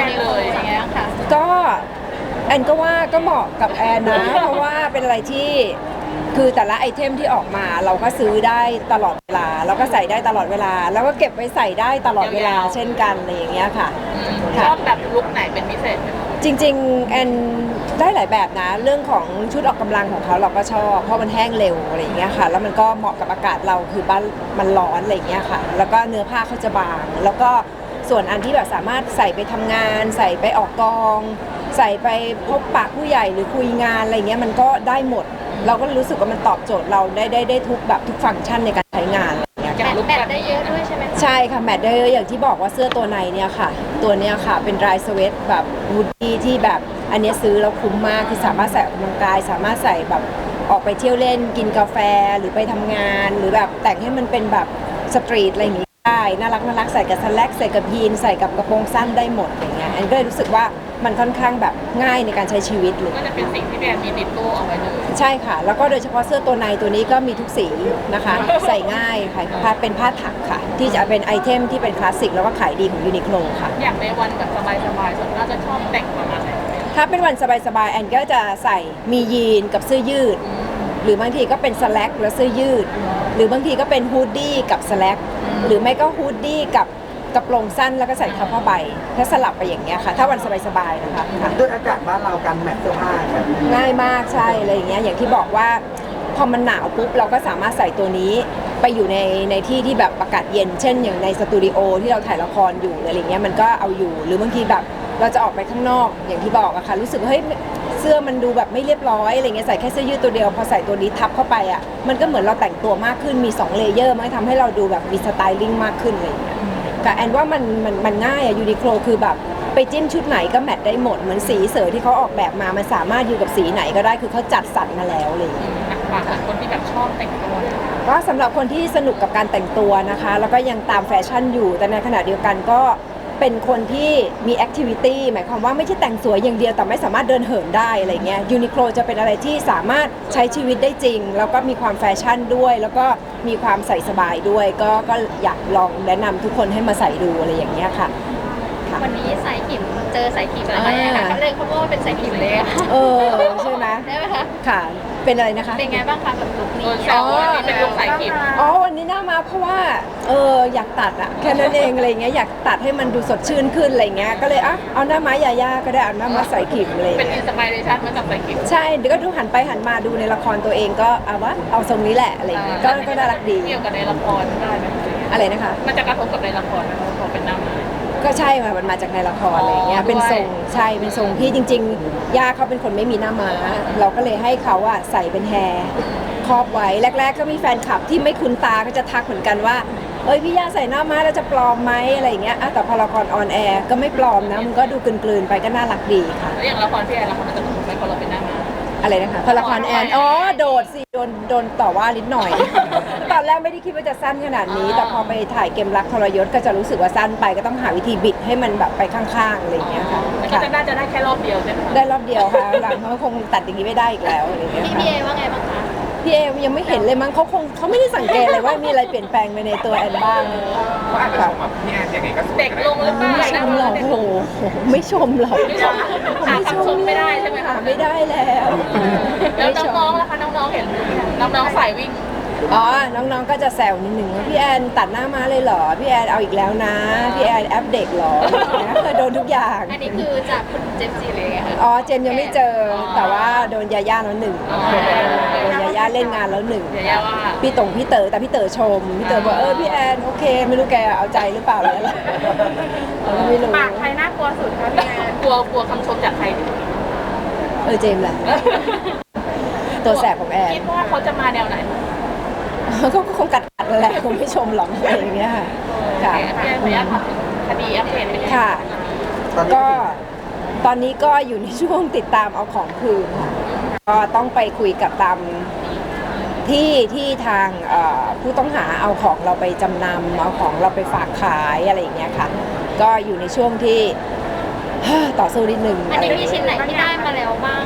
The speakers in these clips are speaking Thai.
นเลยอย่างเงี้ยค่ะก็แอนก็ว่าก็เหมาะกับแอนนะ เพราะว่าเป็นอะไรที่คือแต่ละไอเทมที่ออกมาเราก็ซื้อได้ตลอดเวลาแล้วก็ใส่ได้ตลอดเวลาแล้วก็เก็บไว้ใส่ได้ตลอดเวลาเช่นกันอะไรอย่างเงี้ยค่ะชอบแบบลุคไหนเป็นพิเศษไหมจริงๆแอนได้หลายแบบนะเรื่องของชุดออกกำลังของเขาเราก็ชอบเพราะมันแห้งเร็วอะไรอย่างเงี้ยค่ะแล้วมันก็เหมาะกับอากาศเราคือบ้านมันร้อนอะไรอย่างเงี้ยค่ะแล้วก็เนื้อผ้าเขาจะบางแล้วก็ส่วนอันที่แบบสามารถใส่ไปทำงานใส่ไปออกกองใส่ไปพบปะผู้ใหญ่หรือคุยงานอะไรเงี้ยมันก็ได้หมดเราก็รู้สึกว่ามันตอบโจทย์เราได้ทุกแบบทุกฟังก์ชันในการใช้งานแมทได้เยอะด้วยใช่ไหมใช่ค่ะแมทได้เยอะอย่างที่บอกว่าเสื้อตัวในเนี่ยค่ะตัวเนี้ยค่ะเป็นดรายสเวตแบบฮูดดี้ที่แบบอันนี้ซื้อแล้วคุ้มมากคือสามารถใส่ออกกำลังกายสามารถใส่แบบออกไปเที่ยวเล่นกินกาแฟหรือไปทำงานหรือแบบแต่งให้มันเป็นแบบสตรีทอะไรอย่างนี้ได้น่ารักใส่กับสแล็กใส่กับยีนใส่กับกระโปรงสั้นได้หมดอย่างเงี้ยอันก็เลยรู้สึกว่ามันค่อนข้างแบบง่ายในการใช้ชีวิตเลยก็จะเป็นสิ่งที่แบรนด์มีติดตู้เอาไว้เลยใช่ค่ะแล้วก็โดยเฉพาะเสื้อตัวในตัวนี้ก็มีทุกสีนะคะใส่ง่ายค่ะเป็นผ้าถักค่ะที่จะเป็นไอเทมที่เป็นคลาสสิกแล้วก็ขายดีของยูนิโคลค่ะอยากในวันแบบสบายๆส่วนมากจะชอบแต่งประมาณไหนถ้าเป็นวันสบายๆแอนก็จะใส่มียีนกับเสื้อยืดหรือบางทีก็เป็นสแล็กและเสื้อยืดหรือบางทีก็เป็นฮูดดี้กับสแล็กหรือไม่ก็ฮูดดี้กับกระโปรงสั้นแล้วก็ใส่ทับผ้าใบถ้าสลับไปอย่างเงี้ยค่ะถ้าวันสบายๆนะคะด้วยอากาศบ้านเราการแมทเสื้อผ้าง่ายมากใช่อะไรอย่างเงี้ยอย่างที่บอกว่าพอมันหนาวปุ๊บเราก็สามารถใส่ตัวนี้ไปอยู่ในที่ที่แบบอากาศเย็นเช่นอย่างในสตูดิโอที่เราถ่ายละครอยู่อะไรเงี้ยมันก็เอาอยู่หรือบางทีแบบเราจะออกไปข้างนอกอย่างที่บอกอะค่ะรู้สึกว่าเฮ้ยเสื้อมันดูแบบไม่เรียบร้อยอะไรเงี้ยใส่แค่เสื้อยืดตัวเดียวพอใส่ตัวนี้ทับเข้าไปอะมันก็เหมือนเราแต่งตัวมากขึ้นมี2เลเยอร์มันทำให้เราดูแบบมีสไตลิ่งมากขึ้นอะไรเงี้ยแต่แอนว่ามันง่ายอะยูนิโคลคือแบบไปจิ้มชุดไหนก็แมทได้หมดเหมือนสีเสือที่เขาออกแบบมามันสามารถอยู่กับสีไหนก็ได้คือเขาจัดสรรมาแล้วเลยฝากคนที่แบบชอบแต่งตัวก็สำหรับคนที่สนุกกับการแต่งตัวนะคะแล้วก็ยังตามแฟชั่นอยู่แต่ในขณะเดียวกันก็เป็นคนที่มีแอคทิวิตี้หมายความว่าไม่ใช่แต่งสวยอย่างเดียวแต่ไม่สามารถเดินเหินได้อะไรเงี้ยยูนิโคลจะเป็นอะไรที่สามารถใช้ชีวิตได้จริงแล้วก็มีความแฟชั่นด้วยแล้วก็มีความใส่สบายด้วยก็อยากลองแนะนำทุกคนให้มาใส่ดูอะไรอย่างเงี้ยค่ะวันนี้สายขิมเจอสายขิมอะไรค่ะเขาเลยเขาบอกว่าเป็นสายขิมเลยใช่ไหมได้ไหมคะค่ะเป็นอะไรนะคะเป็นไงบ้างคะแบบลุคนี้เป็นลุคสายขิมวันนี้น่ามาเพราะว่าอยากตัดอะแค่นั้นเองอะไรเงี้ยอยากตัดให้มันดูสดชื่นขึ้นอะไรเงี้ยก็เลยเอาหน้าม้ายาย่าก็ได้เอาหน้าม้าสายขิมเลยเป็นอินสปิเรชันมาจากสายขิมใช่เดี๋ยวก็ดูหันไปหันมาดูในละครตัวเองก็เอาทรงนี้แหละอะไรเงี้ยก็น่ารักดีเกี่ยวกับในละครได้ไหมอะไรนะคะมันจะกระทบกับในละครไหมพอเป็นหน้าม้าก็ใช่มันมาจากในละครอะไรเงี้ยเป็นทรงใช่เป็นทรงที่จริงๆย่าเขาเป็นคนไม่มีหน้าม้าเราก็เลยให้เขาใส่เป็นแฮร์ครอบไว้แรกๆก็มีแฟนคลับที่ไม่คุ้นตาก็จะทักเหมือนกันว่าพี่ย่าใส่หน้าม้าแล้วจะปลอมไหมอะไรเงี้ยแต่พอละครออนแอร์ก็ไม่ปลอมนะมันก็ดูกลืนๆไปก็น่ารักดีค่ะแล้วอย่างละครพี่แอนละครมันจะถูกไหมพอเราเป็นหน้าม้าอะไรนะคะพอละครแอนโดดสิโดนต่อว่านิดหน่อยตอนแรกไม่ได้คิดว่าจะสั้นขนาดนี้แต่พอไปถ่ายเกมรักทรยศก็จะรู้สึกว่าสั้นไปก็ต้องหาวิธีบิดให้มันแบบไปข้างๆอะไรอย่างเงี้ยค่ะก็จะได้แค่รอบเดียวใช่ไหมได้รอบเดียวค่ะหลังเขาคงตัดอย่างนี้ไม่ได้อีกแล้วอะไรอย่างเงี้ยพี่เอว่าไงบ้างคะพี่เอยังไม่เห็นเลยมั้งเขาไม่ได้สังเกตเลยว่ามีอะไรเปลี่ยนแปลงไปในตัวแอนบ้างเขาอาจจะชมแบบพี่แอนยังไงก็เด็กลงหรือเปล่าไม่ชมหรอกโอ้โหไม่ชมหรอกไม่ชมไม่ได้ใช่ไหมคะไม่ได้แล้วแล้วน้องๆล่ะคะน้องๆเห็นน้องๆสายวิ่งน้องๆก็จะแซวนิดนึงว่าพี่แอนตัดหน้าม้าเลยเหรอพี่แอนเอาอีกแล้วนะพี่แอนแอปเด็กเหรอเคยโดนทุกอย่างอันนี้คือจากคุณเจมส์จีเลยค่ะเจมยังไม่เจอแต่ว่าโดนยาย่าแล้ว1โดนยาย่าเล่นงานแล้ว1พี่ต๋พี่เต๋อแต่พี่เต๋อชมพี่เต๋อบอกพี่แอนโอเคไม่รู้แกเอาใจหรือเปล่าเลยไม่รู้ปากใครน่ากลัวสุดคะพี่แอนกลัวคำชมจากใครเจมแหละตัวแสบของแอนคิดว่าเขาจะมาแนวไหนก็คงกัดแหละคงไม่ชมหรอกอะไรอย่างเงี้ยค่ะค่ะขออนุญาตถามคดีอัปเดตไปเลยค่ะก็ตอนนี้ก็อยู่ในช่วงติดตามเอาของคืนค่ะก็ต้องไปคุยกับตามที่ทางผู้ต้องหาเอาของเราไปจำนำเอาของเราไปฝากขายอะไรอย่างเงี้ยค่ะก็อยู่ในช่วงที่ต่อสู้นิดนึงอันนี้มีชิ้นไหนที่ได้มาแล้วบ้าง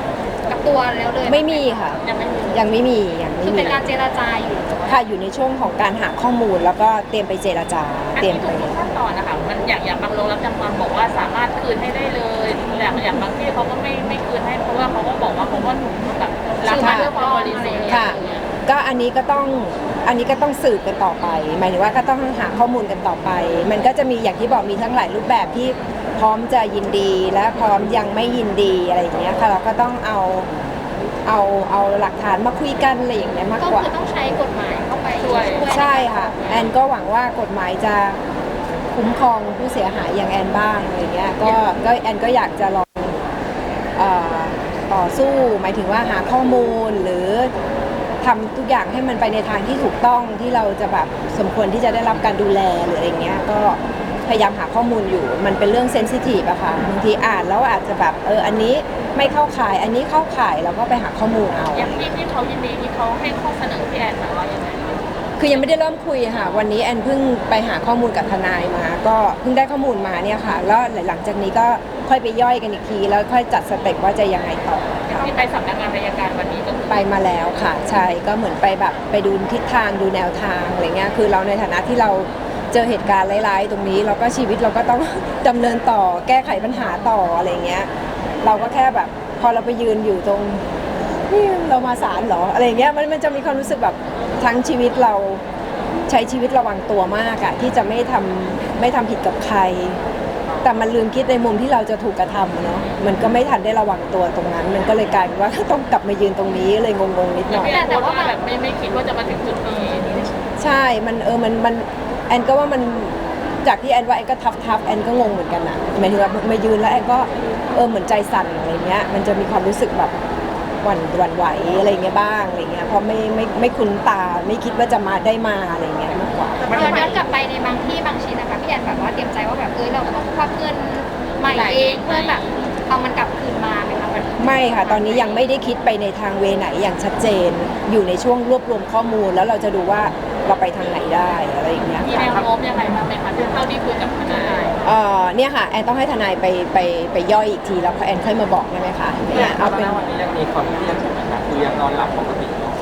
กับตัวแล้วเลยไม่มีค่ะยังไม่มียังไม่มียังไม่คือมีเป็นการเจรจาอยู่ค่ะอยู่ในช่วงของการหาข้อมูลแล้วก็เตรียมไปเจรจาอันเตรียนี้มไปทุกขั้นตอนนะคะมันอย่างบางโรงรับจำนำบอกว่าสามารถคืนให้ได้เลยอย่างบางที่เขาก็ไม่คืนให้เพราะว่าเขาก็บอกว่าเขาก็แบบรับมาด้วยความบริสุทธิ์ค่ะ ก็อันนี้ก็ต้องสืบกันต่อไป หมายถึงว่าก็ต้องหาข้อมูลกันต่อไป มันก็จะมีอย่างที่บอกมีทั้งหลายรูปแบบที่พร้อมจะยินดีและพร้อมยังไม่ยินดีอะไรอย่างเงี้ยค่ะเราก็ต้องเอาหลักฐานมาคุยกันอะไรอย่างเงี้ยมากก็กว่าคือต้องใช้กฎหมายเข้าไปช่วยใช่ค่ะแอนก็หวังว่ากฎหมายจะคุ้มครองผู้เสียหายอย่างแอนบ้างอะไรเงี้ยก็แอนก็อยากจะลองต่อสู้หมายถึงว่าหาข้อมูลหรือทำทุกอย่างให้มันไปในทางที่ถูกต้องที่เราจะแบบสมควรที่จะได้รับการดูแลหรืออะไรเงี้ยก็พยายามหาข้อมูลอยู่มันเป็นเรื่องเซนซิทีฟอะค่ะบางทีอ่านแล้วอาจจะแบบอันนี้ไม่เข้าข่ายอันนี้เข้าข่ายเราก็ไปหาข้อมูลเอาอย่างที่เขายินดีที่เขาให้ข้อเสนอพี่แอนมาว่ายังไงคือยังไม่ได้เริ่มคุยค่ะวันนี้แอนเพิ่งไปหาข้อมูลกับทนายมาก็เพิ่งได้ข้อมูลมาเนี่ยค่ะแล้วหลังจากนี้ก็ค่อยไปย่อยกันอีกทีแล้วค่อยจัดสเต็ปว่าจะยังไงต่อที่ไปสำนักงานอัยการวันนี้ก็คือไปมาแล้วค่ะใช่ก็เหมือนไปแบบไปดูทิศทางดูแนวทางอะไรเงี้ยคือเราในฐานะที่เราเจอเหตุการณ์ร้ายๆตรงนี้เราก็ชีวิตเราก็ต้อง ดำเนินต่อแก้ไขปัญหาต่ออะไรเงี้ยเราก็แค่แบบพอเราไปยืนอยู่ตรงนี่เรามาศาลเหรออะไรเงี้ยมันจะมีความรู้สึกแบบทั้งชีวิตเราใช้ชีวิตระวังตัวมากอะที่จะไม่ทำผิดกับใคร แต่มันลืมคิดในมุมที่เราจะถูกกระทำอะเนาะมันก็ไม่ทันได้ระวังตัวตรงนั้น มันก็เลยกลายเป็นว่า ต้องกลับมายืนตรงนี้เลยงงๆนิดหน่อยแต่ว่าแบบไม่คิดว่าจะมาถึงจุดนี้ใช่มันมันแอนก็ว่ามันจากที่แอนว่าแอนก็ทับแอนก็งงเหมือนกันอะหมายถึงว่ามายืนแล้วแอนก็เหมือนใจสั่นอะไรเงี้ยมันจะมีความรู้สึกแบบหวั่นไหวอะไรเงี้ยบ้างอะไรเงี้ยเพราะไม่คุ้นตาไม่คิดว่าจะมาได้มาอะไรเงี้ยมากกว่าย้อนกลับไปในบางที่บางชิ้นนะคะพี่แอนแบบว่าเตรียมใจว่าแบบเราต้องควักเงินใหม่เองเพื่อแบบเอามันกลับคืนมาไหมคะไม่ค่ะตอนนี้ยังไม่ได้คิดไปในทางเวไหนอย่างชัดเจนอยู่ในช่วงรวบรวมข้อมูลแล้วเราจะดูว่าเราไปทางไหนได้อะไรอย่างเงี้ยมีแนวโน้มยังไงบ้างไหมคะเท่าที่คุยกับทนายเนี่ยค่ะแอนต้องให้ทนายไปย่อยอีกทีแล้วแอนค่อยมาบอกได้ไหมคะเนี่ยเอาเป็นวันนี้ยังมีความเครียดอยู่ไหมคะคือยังนอนหลับปกติเนาะ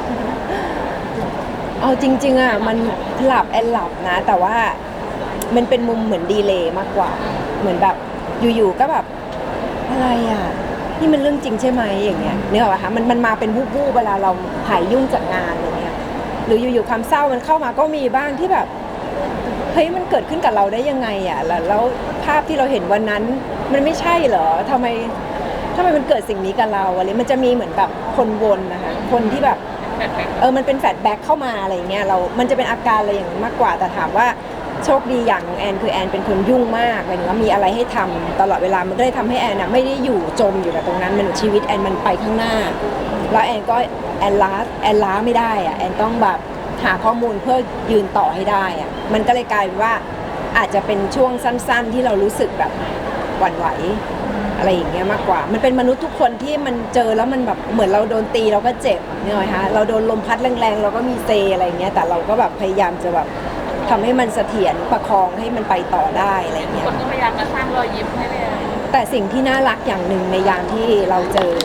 เอาจริงๆอ่ะมันหลับแอนหลับนะ แต่ว่ามันเป็นมุมเหมือนดีเลย์มากกว่าเหมือนแบบอยู่ๆก็แบบอะไรอ่ะนี่มันเรื่องจริงใช่ไหมอย่างเงี้ยนึกออกปะคะมันมาเป็นวูบๆเวลาเราหายยุ่งจากงานอย่างเงี้ยหรืออยู่ๆความเศร้ามันเข้ามาก็มีบ้างที่แบบเฮ้ยมันเกิดขึ้นกับเราได้ยังไงอ่ะแล้วภาพที่เราเห็นวันนั้นมันไม่ใช่เหรอทำไมมันเกิดสิ่งนี้กับเราอะไรมันจะมีเหมือนแบบคนวนนะคะคนที่แบบมันเป็นแฟลชแบ็คเข้ามาอะไรอย่างเงี้ยมันจะเป็นอาการอะไรอย่างนั้นมากกว่าแต่ถามว่าโชคดีอย่างของแอนคือแอนเป็นคนยุ่งมากหมายถึงว่ามีอะไรให้ทำตลอดเวลามันก็เลยทำให้แอนนะไม่ได้อยู่จมอยู่กับตรงนั้นมันชีวิตแอนมันไปข้างหน้าแล้วแอนก็แอนล้าไม่ได้อะแอนต้องแบบหาข้อมูลเพื่อยืนต่อให้ได้อะมันก็เลยกลายเป็นว่าอาจจะเป็นช่วงสั้นๆที่เรารู้สึกแบบหวั่นไหวอะไรอย่างเงี้ยมากกว่ามันเป็นมนุษย์ทุกคนที่มันเจอแล้วมันแบบเหมือนเราโดนตีเราก็เจ็บเนี่ยไหมคะเราโดนลมพัดแรงๆเราก็มีเซอะไรอย่างเงี้ยแต่เราก็แบบพยายามจะแบบทำให้มันเสถียรประคองให้มันไปต่อได้อะไรเงี้ยคนก็พยายามมาสร้างรอยยิ้มให้เลยแต่สิ่งที่น่ารักอย่างหนึ่งในยามที่เราเจอ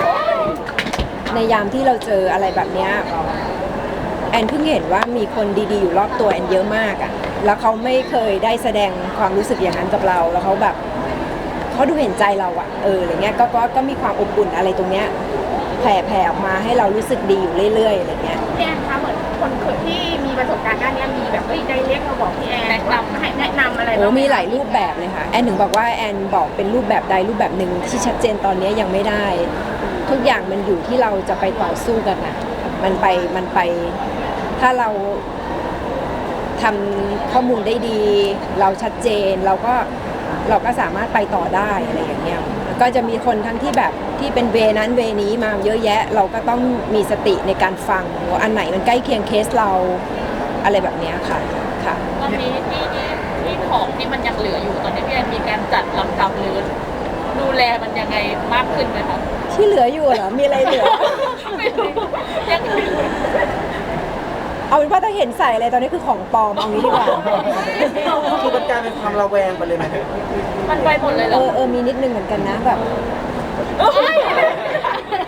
อะไรแบบเนี้ยแอนเพิ่งเห็นว่ามีคนดีๆอยู่รอบตัวแอนเยอะมากอ่ะแล้วเขาไม่เคยได้แสดงความรู้สึกอย่างนั้นกับเราแล้วเขาแบบเขาดูเห็นใจเราอ่ะอะไรเงี้ยก็มีความอบอุ่นอะไรตรงเนี้ยแผ่ออกมาให้เรารู้สึกดีอยู่เรื่อยๆอะไรเงี้ยพี่แอนคะเหมือนคนที่มีประสบการณ์ด้านนี้มีแบบได้เรียกมาบอกพี่แอนให้แนะนำอะไรโอ้มีหลายรูปแบบเลยค่ะแอนถึงบอกว่าแอนบอกเป็นรูปแบบใดรูปแบบหนึ่งที่ชัดเจนตอนนี้ยังไม่ได้ทุกอย่างมันอยู่ที่เราจะไปต่อสู้กันนะมันไปถ้าเราทำข้อมูลได้ดีเราชัดเจนเราก็สามารถไปต่อได้อะไรอย่างเงี้ยก็จะมีคนทั้งที่แบบที่เป็นเวนั้นเวนี้มาเยอะแยะเราก็ต้องมีสติในการฟังว่าอันไหนมันใกล้เคียงเคสเราอะไรแบบเนี้ยค่ะค่ะตอนนี้ที่ของที่มันยังเหลืออยู่ตอนนี้พี่แอนมีการจัดลำดับหรือดูแลมันยังไงมากขึ้นไหมคะที่เหลืออยู่เหรอมีอะไรเหลือไม่รู้ยังเอาเป็นว่าถ้าเห็นใส่อะไรตอนนี้คือของปลอมเอางี้ดีกว่าคือมันกลายเป็นความระแวงไปเลยไหมมันไปหมดเลยเหรอมีนิดนึงเหมือนกันนะแบบ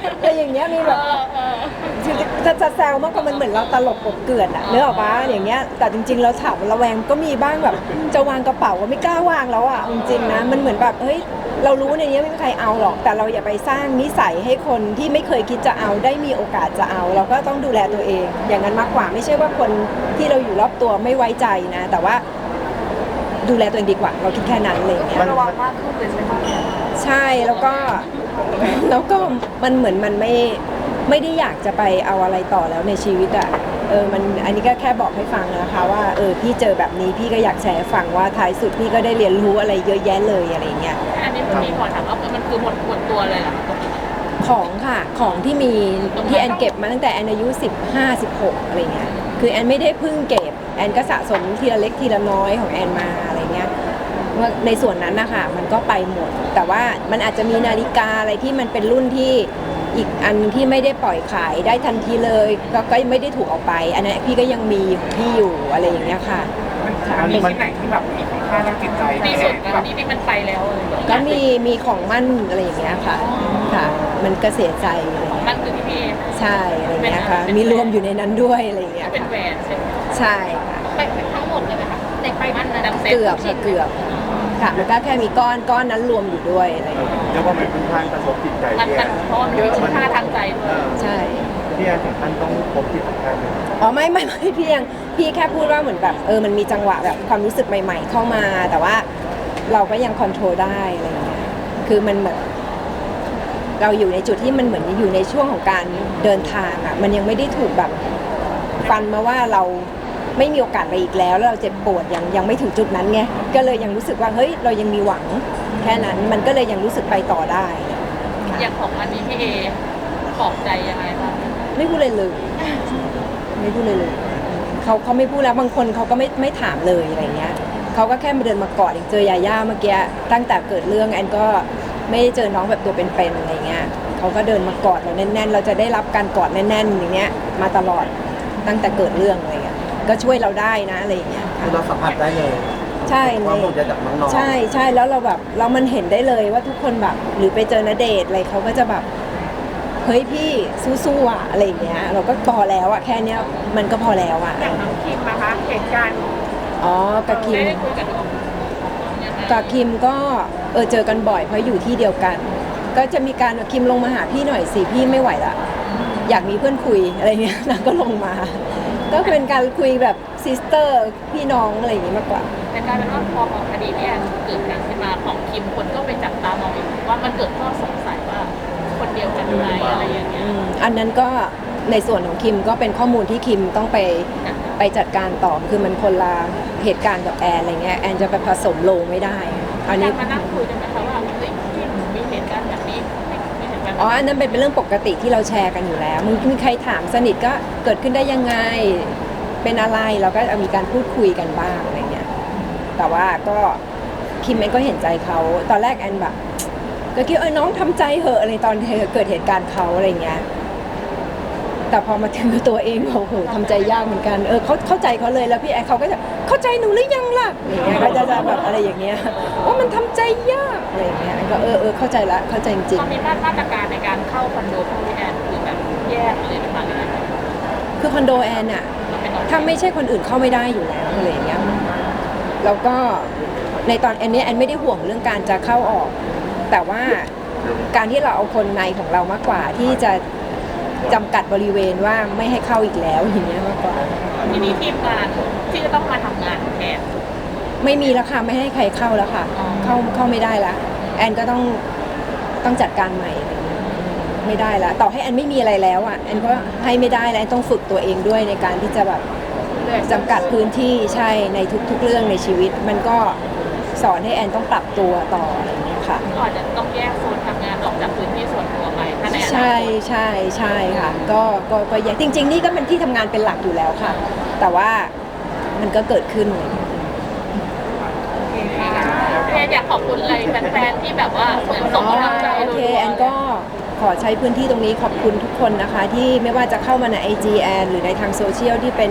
อย่างเงี้ยมีแบบจะแซวมากกว่ามันเหมือนเราตลกกบเกลื่อนอะเนื้อออกปะอย่างเงี้ยแต่จริงๆเราถามระแวงก็มีบ้างแบบจะวางกระเป๋าก็ไม่กล้าวางแล้วอะจริงๆนะมันเหมือนแบบเฮ้ยเรารู้ในนี้ไม่มีใครเอาหรอกแต่เราอย่าไปสร้างนิสัยให้คนที่ไม่เคยคิดจะเอาได้มีโอกาสจะเอา เราก็ต้องดูแลตัวเองอย่างนั้นมากกว่าไม่ใช่ว่าคนที่เราอยู่รอบตัวไม่ไว้ใจนะแต่ว่าดูแลตัวเองดีกว่าเราคิดแค่นั้นเลยอย่างเงี้ยระวังมากขึ้นเลยใช่ไหมใช่แล้วก็มันเหมือนมันไม่ได้อยากจะไปเอาอะไรต่อแล้วในชีวิตอ่ะมันอันนี้ก็แค่บอกให้ฟังนะคะว่าพี่เจอแบบนี้พี่ก็อยากแชร์ให้ฟังว่าท้ายสุดพี่ก็ได้เรียนรู้อะไรเยอะแยะเลยอะไรเงี้ยอันนี้มีขอถามว่ามันคือหมดตัวเลยเหรอของค่ะของที่มีที่แอนเก็บมาตั้งแต่แอนอายุ15-16อะไรเงี้ยคือแอนไม่ได้เพิ่งเก็บแอนก็สะสมทีละเล็กทีละน้อยของแอนมาอะไรเงี้ยว่าในส่วนนั้นนะคะมันก็ไปหมดแต่ว่ามันอาจจะมีนาฬิกาอะไรที่มันเป็นรุ่นที่อีกอันที่ไม่ได้ปล่อยขายได้ทันทีเลยก็ไม่ได้ถูกออกไปอันนั้นพี่ก็ยังมีของพี่อยู่อะไรอย่างเงี้ยค่ะมันมีที่ไหนที่แบบมีคุณค่าทางจิตใจที่สุดกันที่มันไปแล้วเลยก็มีของมั่นอะไรอย่างเงี้ยค่ะค่ะ มันก็เสียใจอะไรอย่างเงี้ยนั่นคือที่พี่เอใช่อะไรอย่างเงี้ยค่ะมีรวมอยู่ในนั้นด้วยอะไรอย่างเงี้ยเป็นแหวนใช่ไหมใช่ค่ะเป็นทั้งหมดเลยไหมคะในไปมันนะดังเซ็ตเกือบค่ะเกือบค่ะมันก็แค่มีก้อนนั้นรวมอยู่ด้วยอะไรอย่างเงี้ยเรียกว่ามันเป็นทางกระทบจิตใจมันเพราะมันมีคุณค่าทางใจด้วยใช่ที่ถึงขั้นต้องพบจิตแพทย์เลยอ๋อไม่พี่แค่พูดว่าเหมือนแบบมันมีจังหวะแบบความรู้สึกใหม่ ๆ เข้ามา แต่ว่าเราก็ยังคอนโทรลได้อะไรอย่างเงี้ยคือมันเหมือนเราอยู่ในจุดที่มันเหมือนอยู่ในช่วงของการเดินทางอ่ะมันยังไม่ได้ถูกแบบฟันมาว่าเราไม่มีโอกาสไปอีกแล้วเราเจ็บปวดยังไม่ถึงจุดนั้นไงก็เลยยังรู้สึกว่าเฮ้ยเรายังมีหวังแค่นั้นมันก็เลยยังรู้สึกไปต่อได้อย่างของอันนี้พี่เอปลอบใจยังไงบ้างไม่พูดเลยไม่พูดเลยเขาไม่พูดแล้วบางคนเขาก็ไม่ถามเลยอะไรเงี้ยเขาก็แค่มาเดินมากอดอย่างเจอยาย่าเมื่อกี้ตั้งแต่เกิดเรื่องแอนก็ไม่ได้เจอน้องแบบตัวเป็นๆอะไรเงี้ยเขาก็เดินมากอดเราแน่นๆเราจะได้รับการกอดแน่นๆอย่างเงี้ยมาตลอดตั้งแต่เกิดเรื่องอะไรเงี้ยก็ช่วยเราได้นะอะไรเงี้ยคือเราสัมผัสได้เลยใช่ความห่วงใยจากน้องๆใช่แล้วเราแบบเรามันเห็นได้เลยว่าทุกคนแบบหรือไปเจอณเดชน์อะไรเขาก็จะแบบเฮ้ยพี่สู้ๆอ่ะอะไรอย่างเงี้ยเราก็พอแล้วอ่ะแค่เนี้ยมันก็พอแล้วอ่ะอย่างน้องคิมนะคะเหตุการณ์อ๋อกับคิมได้คุยกับน้องกับคิมก็เจอกันบ่อยเพราะอยู่ที่เดียวกัน ก็จะมีการคิมลงมาหาพี่หน่อยสิพี่ไม่ไหวละอยากมีเพื่อนคุยอะไรเงี้ยนางก็ลงมา ก็เป็นการคุยแบบซิสเตอร์พี่น้องอะไรอย่างงี้มากกว่าแต่กลายเป็นว่าพอคดีที่เกิดการขึ้นมาของคิมคนก็ไปจับตามองอีกว่ามันเกิดข้อสงสัยว่าคนเดียวกันไหมอะไรอย่างเงี้ยอันนั้นก็ในส่วนของคิมก็เป็นข้อมูลที่คิมต้องไปจัดการต่อคือมันคนละเหตุการณ์กับแอนอะไรเงี้ยแอนจะไปผสมโลงไม่ได้อันนี้มานั่งคุยกันไหมคะว่าเฮ้ยพี่หนูมีเหตุการณ์แบบนี้มีเหตุการณ์อ๋ออันนั้นเป็นเรื่องปกติที่เราแชร์กันอยู่แล้วมีใครถามสนิทก็เกิดขึ้นได้ยังไงเป็นอะไรเราก็มีการพูดคุยกันบ้างอะไรเงี้ยแต่ว่าก็คิมเองก็เห็นใจเขาตอนแรกแอนแบบก็คิดน้องทำใจเหอะอะไรตอนเกิดเหตุการณ์เขาอะไรเงี้ยแต่พอมาถึงตัวเองโอ้โหทำใจยากเหมือนกันเขาเข้าใจเขาเลยแล้วพี่แอนเขาก็จะเข้าใจหนูหรือยังล่ะอย่างเงี้ยก็จะแบบอะไรอย่างเงี้ยว่ามันทำใจยากอะไรอย่างเงี้ยก็เข้าใจละเข้าใจจริงตอนนี้มาตรการในการเข้าคอนโดของพี่แอนคือแบบแยกเลยนะคะเลยๆคือคอนโดแอนอะถ้าไม่ใช่คนอื่นเข้าไม่ได้อยู่แล้วอะไรอย่างเงี้ยแล้วก็ในตอนอันนี้แอนไม่ได้ห่วงเรื่องการจะเข้าออกแต่ว่าการที่เราเอาคนในของเรามากกว่าที่จะจำกัดบริเวณว่าไม่ให้เข้าอีกแล้วอย่างเงี้ยมากกว่าทีนี้ทีมงานที่จะต้องมาทำงานแทนไม่มีแล้วค่ะไม่ให้ใครเข้าแล้วค่ะอ๋อเข้าไม่ได้ละแอนก็ต้องจัดการใหม่อะไรเงี้ยไม่ได้ละต่อให้แอนไม่มีอะไรแล้วอ่ะแอนก็ให้ไม่ได้แล้วแอนต้องฝึกตัวเองด้วยในการที่จะแบบจำกัดพื้นที่ใช่ในทุกๆเรื่องในชีวิต มันก็สอนให้แอนต้องปรับตัวต่ออะไรเงี้ยค่ะก็อาจจะต้องแยกโซนทำงานออกจากพื้นที่ส่วนตัวไปถ้าในอนาคตใช่ค่ะก็แยกจริง ๆ นี่ก็เป็นที่ทำงานเป็นหลักอยู่แล้วค่ะ แต่ว่ามันก็เกิดขึ้นอะไรเงี้ยพี่แอนอยากขอบคุณอะไรแฟนๆที่แบบว่าเหมือนส่งกำลังใจโอเคแอนก็ขอใช้พื้นที่ตรงนี้ขอบคุณทุกคนนะคะ ที่ไม่ว่าจะเข้ามาใน IG แอนหรือในทางโซเชียลที่เป็น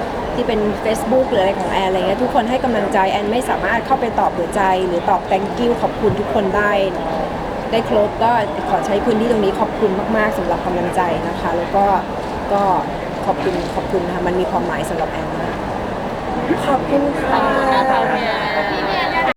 Facebook หรืออะไรของแอนอะไรเงี้ยทุกคนให้กำลังใจแอนไม่สามารถเข้าไปตอบหัวใจหรือตอบ thank you ขอบคุณทุกคนได้ได้ครบก็ขอใช้พื้นที่ตรงนี้ขอบคุณมากๆสำหรับกำลังใจนะคะ แล้วก็ขอบคุณค่ะมันมีความหมายสำหรับแอนมากขอบคุณค่ะ